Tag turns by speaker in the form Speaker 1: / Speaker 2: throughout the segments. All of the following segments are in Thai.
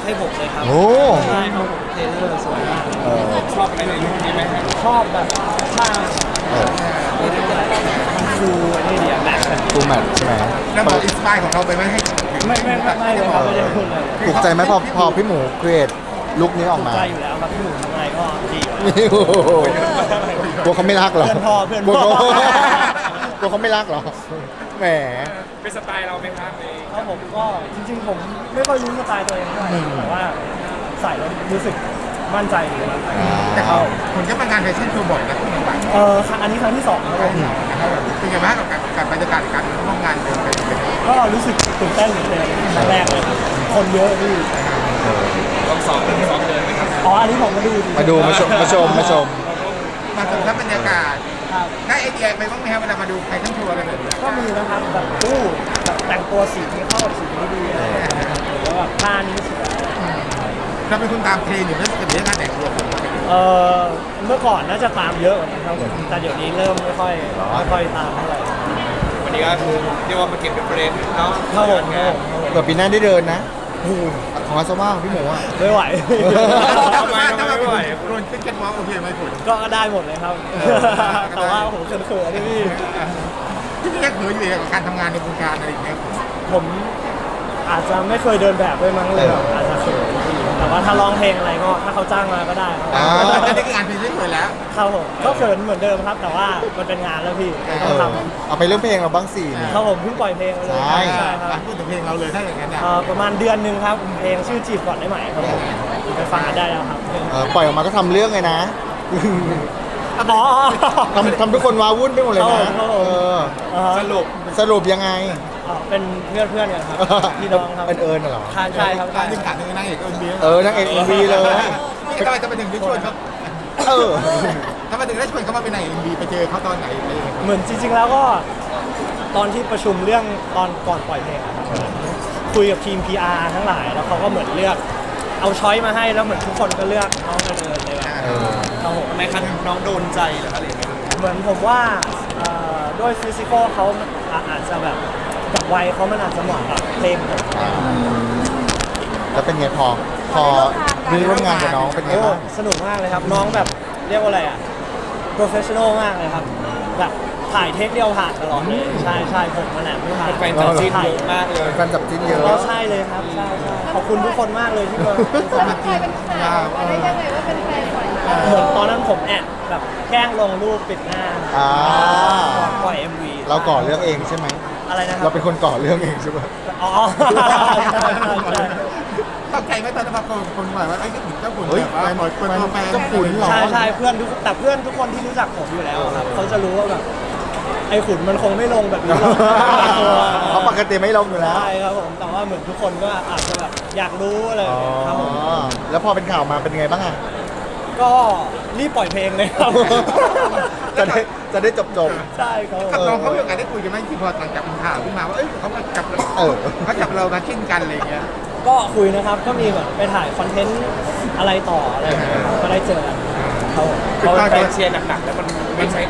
Speaker 1: ให้ผมเลยครับ
Speaker 2: โอ้
Speaker 1: ใช่ครับผมเทเลอร์สวยมาก
Speaker 3: ชอบอะไรในลุคนี้ไหมครับ
Speaker 1: ชอบแบบท่ามันดูนี่เดียแมท
Speaker 2: ฟูลแมทใช่ไหม
Speaker 4: แล้วบอกอินสปายของเราไปไหมให้
Speaker 1: ไม่เลยครับไม่ได้พูดเลย
Speaker 2: ถูกใจไหมพอพี่หมูครีเอทลุคนี้ออก
Speaker 1: ถูก
Speaker 2: มา
Speaker 1: ใจอยู่แล้วครับพี่หมูทำอะไรก็ดีอยู่แล้ว
Speaker 2: โอ้โหกลัวเขาไม่รักเหรอ
Speaker 1: เพื่อนพ่อเพื่อน
Speaker 2: กลัว
Speaker 1: พ่อ
Speaker 2: กลัวเขาไม่รักเหรอแหม
Speaker 3: เป็นสไตล์เราไหมครับใน
Speaker 1: ครับผมก็จริงๆผมไม่ค่อยรู้สไตล์ตัวเองเท่าไหร่แต่ว่าใส่แล้วรู้สึกมั่นใจอยู่แล้ว
Speaker 4: แต่เขาคนก็มางานแฟชั่นโชว์บ่อยนะคุณบัง
Speaker 1: อันนี้ครั้งที่2ครับผม
Speaker 4: เป็นไงบ้างกับบรรยากาศการร่วมงานเดินไปเป็นไง
Speaker 1: ก็รู้สึกตื่นเต้นเหมือนเดิมครั้งแรกเลยครับคนเยอะพี่
Speaker 3: ต้องซ้อมเดินไหมครับ
Speaker 1: อ๋ออันนี้ผมมาดู
Speaker 2: มาดูมาชม
Speaker 4: มาสมทับบรรยากาศ
Speaker 1: ครับ
Speaker 4: ได้ไอเดียไปบ้างไหมครับเวลามาดูแฟชั่นโชว์อะไรแบบนี้
Speaker 1: ก็มีนะครับแบบแบบแต่งตัวสีนี้เข้ากับสีนี้ดีอะไรอย่างเงี้ยหรือว่าแบบผ้านี้สวย
Speaker 4: เราเป็นคนตามเทรนด์อยู่เรื่องเรื่องการแต่งตัว
Speaker 1: เมื่อก่อนน่าจะตามเยอะกว่านี้ครับผมแต่เดี๋ยวนี้เริ่มไม่ค่อยตามเท่าไหร่
Speaker 3: วันนี้ก็คือเรียกว่ามาเก็บเป็นประเด็นเนาะ
Speaker 1: ครับผมครับผม
Speaker 2: เผื่อปีหน้าได้เดินนะของอาซาว่าของพี่หมูอ่ะ
Speaker 1: ไม่ไหว
Speaker 4: ทำไมไม่ไหวคนขึ้นแค่ว่าโอเคไหมคุณ
Speaker 1: ก็ได้หมดเลยครับ แต่ว่าผมเขินๆนี่พี่
Speaker 4: พี่ยังเขินอยู่กับการทำงานในวงการอะไรอย่างเงี้ย
Speaker 1: ผมอาจจะไม่เคยเดินแบบด้วยมั้งเลยแบบอาจจะเขินพี่แต่ว่าถ้าร้องเพลงอะไรก็ถ้าเขาจ้างมาก็ได้ครับ
Speaker 4: แต่ได้งานเพลงเรื่อยๆแล้ว
Speaker 1: ครับผมก็เขินเหมือนเดิมครับ แต่ว่ามันเป็นงานแล้วพี่ต้องท
Speaker 2: เอาไปเรื่องเพลงเราบ้างสิเนี่ย
Speaker 1: ำครับผมเพิ่งปล่อยเพลงไปเลย
Speaker 2: ใช่
Speaker 1: ใช่ครับ
Speaker 4: พูดถึงเพลงเราเลยถ้าอย่างนั้นนะ
Speaker 1: ประมาณเดือนหนึ่งครับเพลงชื่อจีบก่อนได้ไหมครับผมไปฟังกันได้แล้วครับ
Speaker 2: ปล่อยออกมาก็ทำเรื่องไงนะ
Speaker 1: อ๋อ
Speaker 2: ทำทุกคนว้าวุ่นไปหมดเลยนะ
Speaker 1: ครับผม
Speaker 2: สรุปยังไง
Speaker 1: เป็นเพื่อนกันครับพี่น้องครับ
Speaker 2: เอิญเหรอ
Speaker 1: ใช่ครับ
Speaker 4: การดึงขาดนึงนั่งเอกเอิญเบียร์
Speaker 2: นางเอกเอ็มวีเลย
Speaker 4: ทำไมจะไปถึงได้ชวนเขา
Speaker 2: เออ
Speaker 4: ทำไมถึงได้ชวนเขามาเป็นนางเอ็มบีไปเจอเขาตอนไหนอะไรอย่างเงี้ย
Speaker 1: เหมือนจริงๆแล้วก็ตอนที่ประชุมเรื่องตอนก่อนปล่อยเพลงอะครับคุยกับทีม PR ทั้งหลายแล้วเขาก็เหมือนเลือกเอาช้อยมาให้แล้วเหมือนทุกคนก็เลือกน้องเอิญเลยแบบ ครับผม
Speaker 3: ทำไมคันน้องโดนใจเหรออะไรอย่างเงี้ย
Speaker 1: เหมือนผมว่าด้วยฟิสิกอลเขาอาจจะแบบกับวัยเขามันอาจจะเหมาะกับเพลงผม
Speaker 2: แล้วเป็นไงพอได้ร่วมงานกับน้องเป็นไง
Speaker 1: โอ้
Speaker 2: บ้าง
Speaker 1: สนุกมากเลยครับน้องแบบเรียกว่าอะไรอ่ะ professional มากเลยครับแบบถ่ายเทคเดียวผ่านตลอดเลยใช่ผมมาแหละไม่ผ่าน
Speaker 3: แฟนจับจิ้นเยอะมากเลย
Speaker 2: แฟนจับจิ้นเยอะ
Speaker 1: ก็ใช่เลยครับใช่ขอบคุณทุกคนมากเลยที่มา
Speaker 5: กลายเป็นข่าวมาได้ยังไงว่าเป็นแฟนก่อน
Speaker 1: เหมือนตอนนั้นผมแอบแบบแกล้งลงรูปปิดหน้า
Speaker 2: อ่า
Speaker 1: ก่อนปล่อย MV
Speaker 2: เราก่อเรื่องเองใช่ไหม
Speaker 1: อะไรนะครั
Speaker 2: เราเป็นคนก่อเรื่องเองใช่ไหม
Speaker 1: อ๋อใช่
Speaker 4: ตกใจไหมตอนนั้นพอคนบอกว่าไอ้ก็ถึงเจ้าขุนแบบว่าเปิดตัวแฟน
Speaker 2: เจ้าขุนเหรอ
Speaker 1: ใช่เพื่อนทุกคนที่รู้จักผมอยู่แล้วครับเขาจะรู้ว่าแบบไอ้ขุนมันคงไม่ลงแบบนี้หรอก
Speaker 2: เขาปกติไม่ลงอยู่แล้ว
Speaker 1: ใช่ครับผมแต่ว่าเหมือนทุกคนก็อาจจะแบบอยากรู้อะไรอย่างเงี้ยครับผม
Speaker 2: แล้วพอเป็นข่าวมาเป็นไงบ้างอ่ะ
Speaker 1: ก็รีบปล่อยเพลงเลยครับ
Speaker 2: จะได้จบ
Speaker 1: ใช่ครับ
Speaker 4: กับน้องเขามีโอกาสได้คุยกันไหมที่พอหลังจากเป็นข่าวขึ้นมาว่าเอ้ยเขามาจับเขาจับเรามาชิ้นกันอะไรอย่างเงี้ย
Speaker 1: ก็คุยนะครับก็มีแบบไปถ่ายคอนเทนต์อะไรต่ออะไรอย่างเงี้ยครับก็ได้เจอกันครับผม
Speaker 3: พอแฟนเชียร์หนักๆแล้วมันไม่ใช่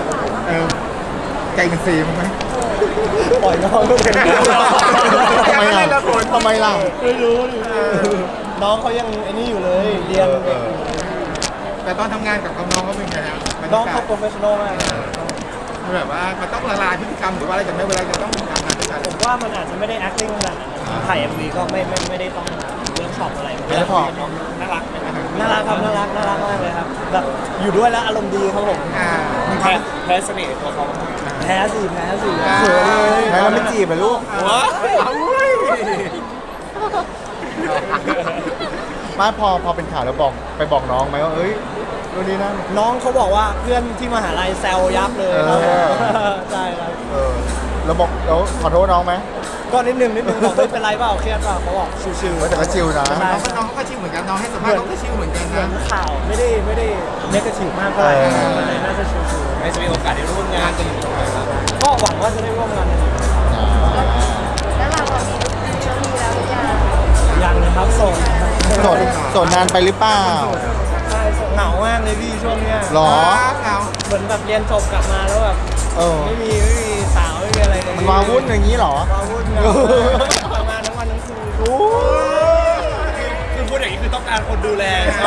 Speaker 4: ใจมันซีมั้ยไหม
Speaker 1: ปล่อยน้องก็เป็น
Speaker 2: ทำไมล่ะทำไมล่ะ
Speaker 1: ไม่รู้ดิน้องเขายังไอ้นี่อยู่เลยเรียน
Speaker 4: แต่ตอนทำงานกับน้องเขาเป็นไงครับ
Speaker 1: น้องเขาโปรเฟชชั่นอลมากนะ
Speaker 4: แบบว่ามันต้องละลายพฤติกรรมหรือว่าอะไรกันไหมเวลาจะต้องทำงานด้วยกัน
Speaker 1: ผมว่ามันอาจจะไม่ได้ acting ขนาดนั้นถ่าย MV ก็ไม่ได้ต้องเวิร์กช็อปอะไร
Speaker 2: แล้วพอ
Speaker 1: น้องน่ารักนะครับน่ารักครับน่ารักมากเลยครับแบบอยู่ด้วยแล้วอารมณ์ดีครับผม
Speaker 3: แพ้เสน่ห์ตัวเขา
Speaker 1: แพ้สิเขินเลย
Speaker 2: แล้วเราไม่จีบเหรอลูก
Speaker 3: ว้า
Speaker 2: ไม่พอเป็นข่าวแล้วไปบอกน้องไหมว่าเอ้ยดูนี่นั่น
Speaker 1: น้องเขาบอกว่าเพื่อนที่มหาลัยแซวยับเลยครับใช่ครับ
Speaker 2: เราบอกเราขอโทษน้องไหม
Speaker 1: ก็นิดนึงบอกไม่เป็นไรเปล่าเครียดเปล่าเขาบอกชิวๆ
Speaker 2: แต่ก็ชิลนะ
Speaker 4: น้องก็ชิวเหมือนกันน้องให้สัมภาษณ์เขาก็ชิวเหมือนกัน
Speaker 1: เหมือ
Speaker 4: นะ
Speaker 1: นข่าวไม่ได้เนกาทีฟมากเท่าไหร่เลยน่าจะชิว
Speaker 3: ไม่จะมีโอกาสได้ร่วมงานกันอีกไหมครับ
Speaker 1: ๆก็หวังว่าจะได้ร่วมงานกันอีก
Speaker 5: แล้วเรามีแล้วยัง
Speaker 1: ยังนะครับโสด
Speaker 2: โสดนานไปหรือเปล่า
Speaker 1: ใช่โสดเหงามากเลยพี่ช่วงเนี้ย
Speaker 2: หรอ
Speaker 4: เรา
Speaker 1: เหมือนแบบเรียนจบกลับมาแล้วแบบ ไม่มีสาวไม่มีอะไรเลย
Speaker 2: มันวาวุ่นอย่างนี้หรอ
Speaker 1: วาวุ่นทำงานทั้งวันทั้งคืน
Speaker 2: โอ้ย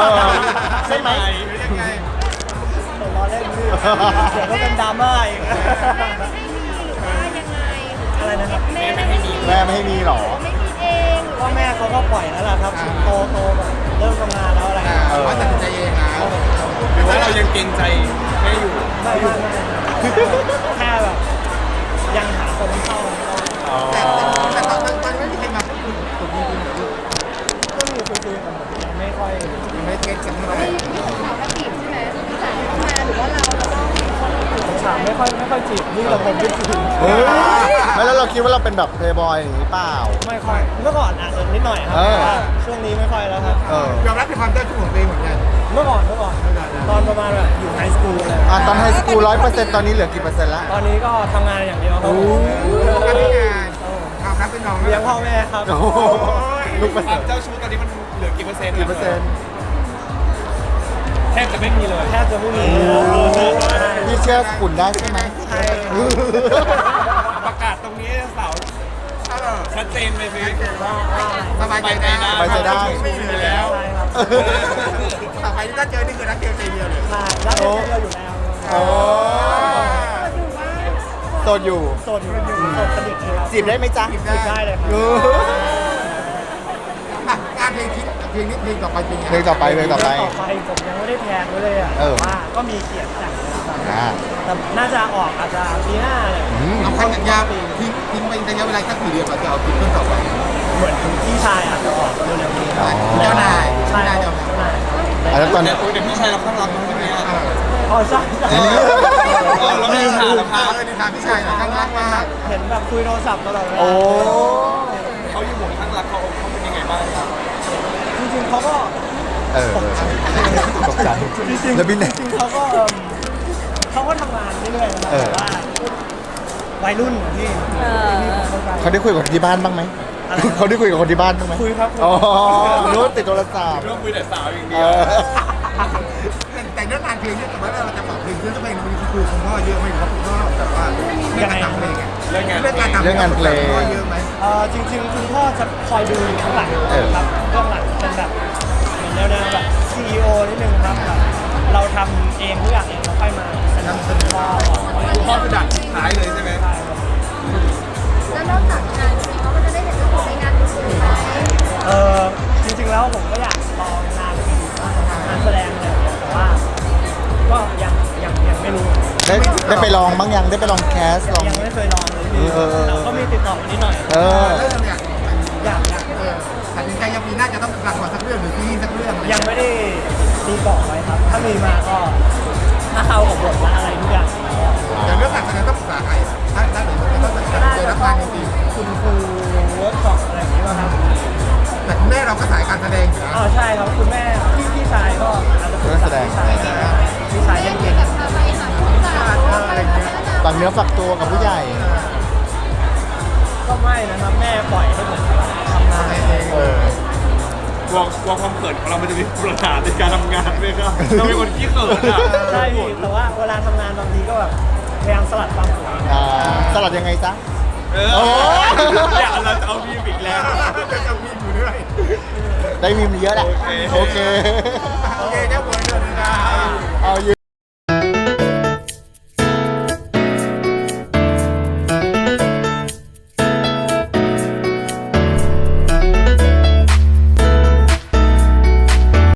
Speaker 2: ใช่ไหม
Speaker 4: ยังไง
Speaker 1: ผมล้อเล่นพี่เดี๋ยวก็เป็นดราม่าอีก
Speaker 5: แม่ไม่ให้มีหรือว่ายังไง
Speaker 1: อะไรนะครับ
Speaker 5: แม่ไม่ให้มี
Speaker 2: แม่ไม่ให้มีหรอ
Speaker 5: ไม่มีเองหรือ
Speaker 1: พ่อแม่เขาก็ปล่อยแล้วล่ะครับโตแบบเริ่มทำงานแล้วอะไรอย่างเงี้ย
Speaker 4: เขาตัดสินใจเองนะ
Speaker 3: หรือว่าเรายังเกรงใจแม่อยู่
Speaker 1: ไม่แค่แบบยังหาคนที่เข้าไม่ได้
Speaker 4: แต่ตอนไม่มีใครมาพูดคุยกับผมจริงๆเหรอลูก
Speaker 1: ก็มีคุยๆกันแต่ยังไม่ค่อย
Speaker 4: ยังไม่เก็ตกันเท่าไหร่
Speaker 5: เขาก็จีบใช่ไหมพี่สาวเข้ามาหรือว่าเราจะต้อง
Speaker 1: ถามไม่ค่อยจีบนี่เราผมไม่จีบ
Speaker 2: เฮ้ยไม่แล้วเราคิดว่าเราเป็นแบบเพลย์บอยอย่างนี้เปล่า
Speaker 1: ไม่ค่อยเมื่อก่อนอาจจะนิดหน่อยครับ
Speaker 2: เออ
Speaker 1: แต่ว่าช่วงนี้ไม่ค่อยแล้วครับ
Speaker 2: เออย
Speaker 4: อมรับในความเจ้าชู้ของตัวเองเหมือนกัน
Speaker 1: เมื่อก่อนตอนประมาณแบบอยู่ไฮสคูลเลย
Speaker 2: ตอนไฮสคูล100%ตอนนี้เหลือกี่เปอร์เซ็นต์ละ
Speaker 1: ตอนนี้ก็ทำงานอย่างเดียวครับ
Speaker 4: การที่งานความรักเป็นน้อง
Speaker 1: เลี้ยงพ่อแม่ครับ
Speaker 2: โอ้โหลูกเปอร์
Speaker 3: ค
Speaker 2: เซ็
Speaker 3: วาน ม
Speaker 2: ต์
Speaker 3: เจ้าชู้ตอนนี้มันเหลือกี่เปอร์เซ็นต์
Speaker 2: กี่เปอร์เซ็นต์
Speaker 3: แทบจะไม่มีเลย
Speaker 1: แทบจะไม่มี
Speaker 2: พี่เชื่อขุนได้ใช่ไหม
Speaker 1: ใช่
Speaker 3: ประกาศตรงนี้สาวชัดเจนไปสิ
Speaker 4: สบายใจได้
Speaker 2: สบายใจได้
Speaker 4: ไม่มีแล้ว
Speaker 1: ใช่ครับ
Speaker 4: ต่อไปที่ถ้าเจอนี่คือรักเดียวใจเดียวเลย
Speaker 1: ใช่รักเดียวอยู่แล้ว
Speaker 2: โอ้โสดอยู่
Speaker 1: โสดอยู่โสดสนิทเลยครับ
Speaker 2: จีบได้ไหมจ๊ะ
Speaker 1: จีบได้เลยครับ
Speaker 2: เออ
Speaker 4: งานเพลงคิดเพลงนี้เพลงต่อไปเป็นไง
Speaker 2: เพลงต่อไป
Speaker 1: ต่อไปผมยังไม่ได้แพลนไว้เลยอ่ะ
Speaker 2: เออ
Speaker 1: ว่าก็มีเขียนแต่งนะครับ
Speaker 2: อ่า
Speaker 1: แต่น่าจะออกอาจจะปีหน้าเลย
Speaker 2: อืม
Speaker 4: เอาคันสัญญาทิ้งไประยะเวลาสักกี่เดือนก่อนจะเอาคิดเรื่องต่อไป
Speaker 1: เหมือนพี่ชายอาจจะออกเร็วๆนี้ครับ
Speaker 4: เจ้านาย
Speaker 1: ใช่
Speaker 4: เจ้านาย
Speaker 1: เจ้านาย
Speaker 2: แล้วตอน
Speaker 3: แต่เดี๋ยวพี่ชายเราข้างรักใช่ไหมอ่ะ
Speaker 1: อ๋อใช่ใช่
Speaker 3: เราไม่ได้ถามครับ
Speaker 4: ในทางพี่ชายหน่อยข้างล่างมาก
Speaker 1: เห็นแบบคุยโทรศัพท์ตลอดเวลา
Speaker 2: โอ้
Speaker 3: เขาอยู่หมู่ข้างรักเขาเป็นยังไงบ้างครับ
Speaker 1: จริงๆเขาก็
Speaker 2: เออตกใจ
Speaker 1: จริงๆ
Speaker 2: แล้วบินเนี่ย
Speaker 1: จริงๆเขาก็ทำงานเรื่อยๆนะ
Speaker 2: เออ
Speaker 1: แต่ว่าวัยรุ่นที่ผมเข้าใจ
Speaker 2: เขาได้คุยกับคนที่บ้านบ้างไหม
Speaker 1: อะไรนะ
Speaker 2: เขาได้คุยกับคนที่บ้านบ้างไหม
Speaker 1: คุยครับ
Speaker 2: อ๋อนู้นติดโทรศัพท์
Speaker 3: เรื่องคุยแต่สาวอย่าง
Speaker 2: เอ
Speaker 3: เดียว
Speaker 2: อ
Speaker 4: แต่เรื่องงานเพลงเนี่ยแต่ว่าเราจะปรับเพลงเรื่องเพลงมันมีครูคุณพ่อเยอะไหมครับคุณพ่อแบบว่าเรื่องการทำเพลงเรื่องการทำพ่อเยอะไหม
Speaker 1: จริงๆคุณพ่อจะคอยดูอยู่ข้างหลัง
Speaker 2: เออ
Speaker 1: ครับเบื้องหลังเป็นแบบเหมือนแนวๆแบบ CEO นิดนึงครับแบบเราทำเองทุกอย่างเองเราค่อยมาสนับสนุนพ่อ
Speaker 3: คุณพ่อคือด่านสุดท้ายเลยใช่ไหม
Speaker 1: ใช่ครับ
Speaker 5: แล้วนอกจากงานเพลงเขาก็จะได้เห็นเรื่องของในงานอื่นๆไหม
Speaker 1: จริงๆแล้วผมก็อยากลองงานอื่นบ้างงานแสดงอะไรอย่างเงี้ยแต่ว่าก็ยังไม่รู้
Speaker 2: ได้ไปลองบ้างยังได้ไปลองแคสลอง
Speaker 1: ยังไม่เคยลองเลยพี่
Speaker 2: เออ
Speaker 1: แต่ก็มีติดต่อมานิดหน่อย
Speaker 2: เออ
Speaker 4: เรื่องเนี่ย
Speaker 1: อยาก
Speaker 4: ตัดสินใจยังปีหน้าจะต้องละครสักเรื่องหรือซีรีส์สักเรื่อง
Speaker 1: ยังไม่ได้ตีกรอบไว้ครับ ถ้ามีมาก็ถ้าเข้ากับบทและอะไรทุกอย่าง
Speaker 4: แต่เรื่องการแสดงต้องปรึกษาใครถ้าหรือต้องตัดสินใจรับงานจริง
Speaker 1: คุณครูเวิร์กช็อปอะไรอย่างนี้ป่ะครับ
Speaker 4: แต่คุณแม่เราก็สายการแสดงอยู่แล้ว
Speaker 1: อ๋อใช่ครับคุณแม่พี่ชายก็อาจจะปรึกษาพี่ชายเล่นเก่ง
Speaker 5: แบบพาไปหาผู้จัดอะไรอย่างเงี้ย
Speaker 2: ฝากเนื้อฝากตัวกับผู้ใหญ่
Speaker 1: ก็ไม่นะครับแม่ปล่อยให้ผมทำงานเอง
Speaker 2: เออ
Speaker 3: กลัวความเขินของเรามันจะมีปัญหาในการทำงานไหมครับเราเป็นคนขี้เขินอ่ะ
Speaker 1: ใช่พี่แต่ว่าเวลาทำงานบางทีก็แบบพยายามสลัดความเขิน
Speaker 2: สลัดยังไงจ๊ะ
Speaker 3: เออ
Speaker 2: โอ้
Speaker 3: อยากเราจะเอาพีมอีกแล้ว
Speaker 4: จะมีอยู่เรื่อย
Speaker 2: ได้มีมเยอะแหละ
Speaker 3: โอเค
Speaker 2: โอเค